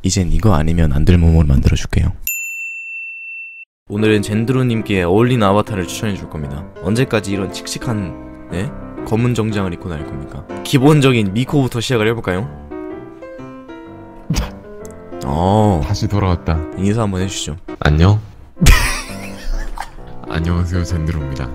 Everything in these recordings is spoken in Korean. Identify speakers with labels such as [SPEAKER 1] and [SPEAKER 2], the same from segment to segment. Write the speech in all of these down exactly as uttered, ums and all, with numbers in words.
[SPEAKER 1] 이젠 이거 아니면 안 될 몸을 만들어줄게요. 오늘은 젠드로님께 어울리는 아바타를 추천해줄 겁니다. 언제까지 이런 칙칙한 네? 검은 정장을 입고 다닐 겁니까? 기본적인 미코부터 시작을 해볼까요? 어
[SPEAKER 2] 다시 돌아왔다.
[SPEAKER 1] 인사 한번 해주시죠.
[SPEAKER 2] 안녕. 안녕하세요, 젠드로입니다.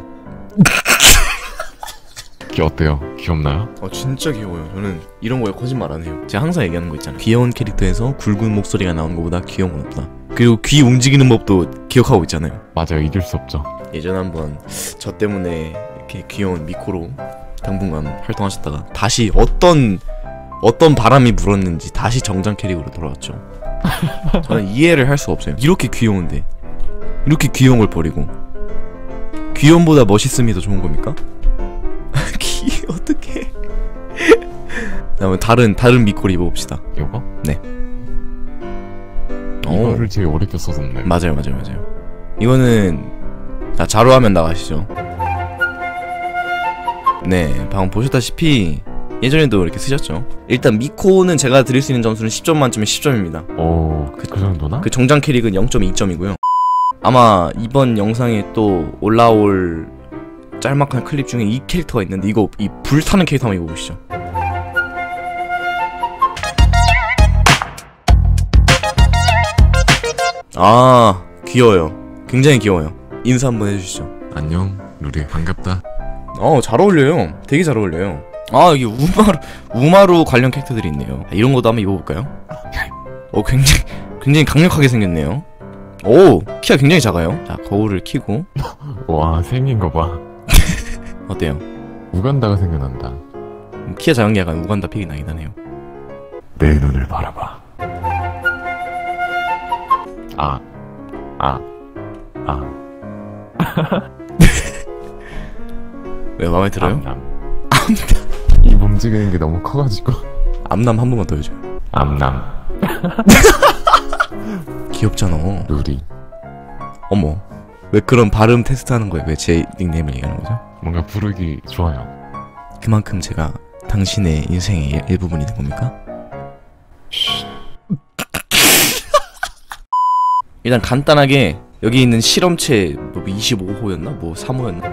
[SPEAKER 2] 귀 어때요? 귀엽나요?
[SPEAKER 1] 어 진짜 귀여워요. 저는 이런 거에 거짓말 안 해요. 제가 항상 얘기하는 거 있잖아요. 귀여운 캐릭터에서 굵은 목소리가 나오는 것보다 귀여운 건 없다. 그리고 귀 움직이는 법도 기억하고 있잖아요.
[SPEAKER 2] 맞아요, 잊을 수 없죠.
[SPEAKER 1] 예전에 한번 저 때문에 이렇게 귀여운 미코로 당분간 활동하셨다가 다시 어떤 어떤 바람이 불었는지 다시 정장 캐릭으로 돌아왔죠. 저는 이해를 할 수가 없어요. 이렇게 귀여운데 이렇게 귀여운 걸 버리고 귀여움보다 멋있음이 더 좋은 겁니까? 귀 어떡해. 다음에 다른 다른 미코를 입어봅시다.
[SPEAKER 2] 이거?
[SPEAKER 1] 네.
[SPEAKER 2] 이거를
[SPEAKER 1] 오.
[SPEAKER 2] 제일 어렵게 썼었네.
[SPEAKER 1] 맞아요 맞아요 맞아요. 이거는 자 자료화면 나가시죠. 네 방금 보셨다시피 예전에도 이렇게 쓰셨죠. 일단 미코는 제가 드릴 수 있는 점수는 십 점 만점에 십 점입니다
[SPEAKER 2] 오, 그, 그 정도나?
[SPEAKER 1] 그 정장 캐릭은 영 점 이 점이고요 아마 이번 영상에 또 올라올 짤막한 클립 중에 이 캐릭터가 있는데 이거 이 불타는 캐릭터 한번 입어보시죠. 아 귀여워요. 굉장히 귀여워요. 인사 한번 해주시죠.
[SPEAKER 2] 안녕, 루리. 반갑다.
[SPEAKER 1] 어 잘 어울려요. 되게 잘 어울려요. 아 여기 우마루 우마루 관련 캐릭터들이 있네요. 아, 이런 것도 한번 입어볼까요? 어 굉장히 굉장히 강력하게 생겼네요. 오 키가 굉장히 작아요. 자 거울을 켜고
[SPEAKER 2] 와, 생긴 거 봐.
[SPEAKER 1] 어때요?
[SPEAKER 2] 우간다가 생각난다.
[SPEAKER 1] 음, 키가 작은 게 약간 우간다 픽이 나긴 하네요.
[SPEAKER 2] 내 눈을 바라봐. 아, 아, 아.
[SPEAKER 1] 왜 마음에 들어요?
[SPEAKER 2] 암남. 입 움직이는 게 너무 커가지고.
[SPEAKER 1] 암남 한 번만 더 해줘요.
[SPEAKER 2] 암남.
[SPEAKER 1] 귀엽잖아.
[SPEAKER 2] 루리.
[SPEAKER 1] 어머 왜 그런 발음 테스트하는 거예요? 왜 제 닉네임을 얘기하는 거죠?
[SPEAKER 2] 뭔가 부르기 좋아요.
[SPEAKER 1] 그만큼 제가 당신의 인생의 일, 일부분이 된 겁니까? 일단 간단하게 여기 있는 실험체 뭐 이십오 호였나? 뭐 삼 호였나?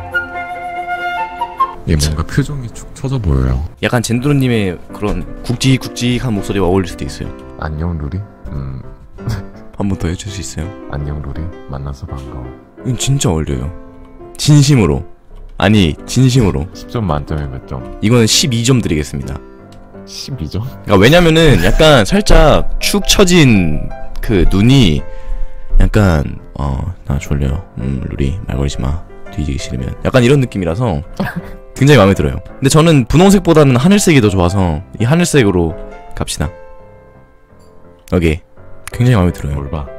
[SPEAKER 2] 얘 뭔가 표정이 축 처져 보여요.
[SPEAKER 1] 약간 젠드로님의 그런 굵직굵직한 목소리와 어울릴 수도 있어요.
[SPEAKER 2] 안녕, 루리. 음,
[SPEAKER 1] 한 번 더 해줄 수 있어요?
[SPEAKER 2] 안녕, 루리. 만나서 반가워.
[SPEAKER 1] 이건 진짜 어울려요. 진심으로. 아니 진심으로.
[SPEAKER 2] 십 점 만점에 몇 점?
[SPEAKER 1] 이거는 십이 점 드리겠습니다.
[SPEAKER 2] 십이 점?
[SPEAKER 1] 그러니까 왜냐면은 약간 살짝 축 처진 그 눈이 약간 어 나 졸려 음 루리 말 걸지 마 뒤지기 싫으면 약간 이런 느낌이라서 굉장히 마음에 들어요. 근데 저는 분홍색보다는 하늘색이 더 좋아서 이 하늘색으로 갑시다. 오케이 굉장히 마음에 들어요.
[SPEAKER 2] 뭘 봐.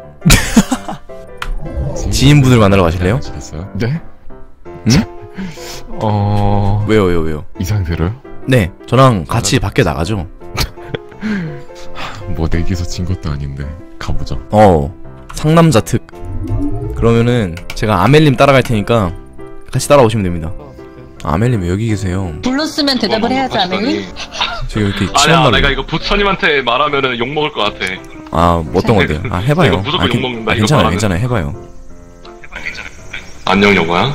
[SPEAKER 1] 지인분을 만나러 가실래요?
[SPEAKER 2] 아시겠어요? 네?
[SPEAKER 1] 응?
[SPEAKER 2] 어...
[SPEAKER 1] 왜요 왜요 왜요?
[SPEAKER 2] 이 상태로요?
[SPEAKER 1] 네 저랑 같이 밖에 나가죠.
[SPEAKER 2] 뭐 내기에서 진 것도 아닌데 가보자.
[SPEAKER 1] 어 상남자 특. 그러면은 제가 아멜님 따라갈 테니까 같이 따라오시면 됩니다. 아, 아멜님 왜 여기 계세요?
[SPEAKER 3] 불렀으면 대답을 해야지, 아멜님.
[SPEAKER 1] 지금 이렇게
[SPEAKER 4] 아니야
[SPEAKER 1] 친한
[SPEAKER 4] 내가
[SPEAKER 1] 말로.
[SPEAKER 4] 이거 부처님한테 말하면은 욕먹을 것 같아.
[SPEAKER 1] 아 어떤 건데요? 아 해봐요.
[SPEAKER 4] 이거 무조건
[SPEAKER 1] 아, 괜-
[SPEAKER 4] 욕먹는다,
[SPEAKER 1] 아,
[SPEAKER 4] 이거
[SPEAKER 1] 괜찮아요
[SPEAKER 4] 말하면.
[SPEAKER 1] 괜찮아요 해봐요.
[SPEAKER 4] 안녕 여보야.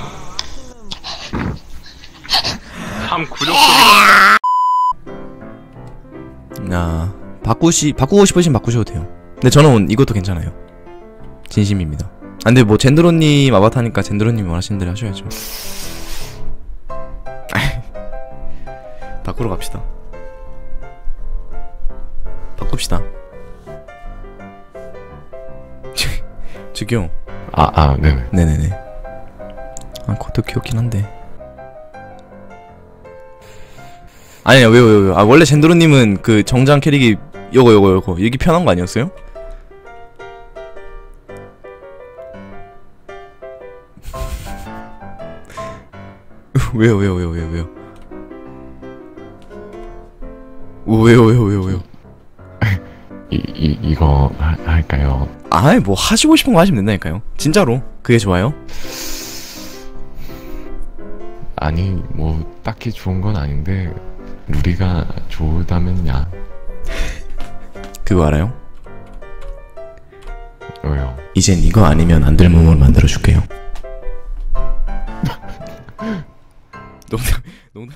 [SPEAKER 4] 참 굴욕적이다.
[SPEAKER 1] 아 바꾸시 바꾸고 싶으시면 바꾸셔도 돼요. 근데 저는 이것도 괜찮아요. 진심입니다. 아, 근데 뭐 젠드로님 아바타니까 젠드로님이 원하시는 대로 하셔야죠. 바꾸러 갑시다. 바꿉시다. 저기요.
[SPEAKER 2] 아, 아, 네네.
[SPEAKER 1] 네네네. 아 그것도 귀엽긴 한데. 아니야 왜요 왜요 왜요. 아 원래 젠드로님은 그 정장 캐릭이 요거 요거 요거 이게 편한 거 아니었어요? 왜요 왜요 왜요 왜요 왜요 오, 왜요 왜요 왜요 왜요
[SPEAKER 2] 이, 이, 이거 하, 할까요?
[SPEAKER 1] 아이 뭐 하시고 싶은 거 하시면 된다니까요. 진짜로 그게 좋아요?
[SPEAKER 2] 아니 뭐 딱히 좋은 건 아닌데 루리가 좋다면야.
[SPEAKER 1] 그거 알아요?
[SPEAKER 2] 왜요?
[SPEAKER 1] 이젠 이거 아니면 안 될 몸으로 만들어줄게요. 농담, 농담.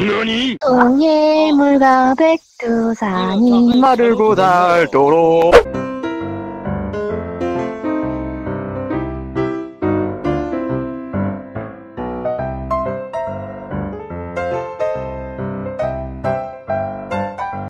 [SPEAKER 3] 동해물과 백두산이
[SPEAKER 5] 마르고 닳도록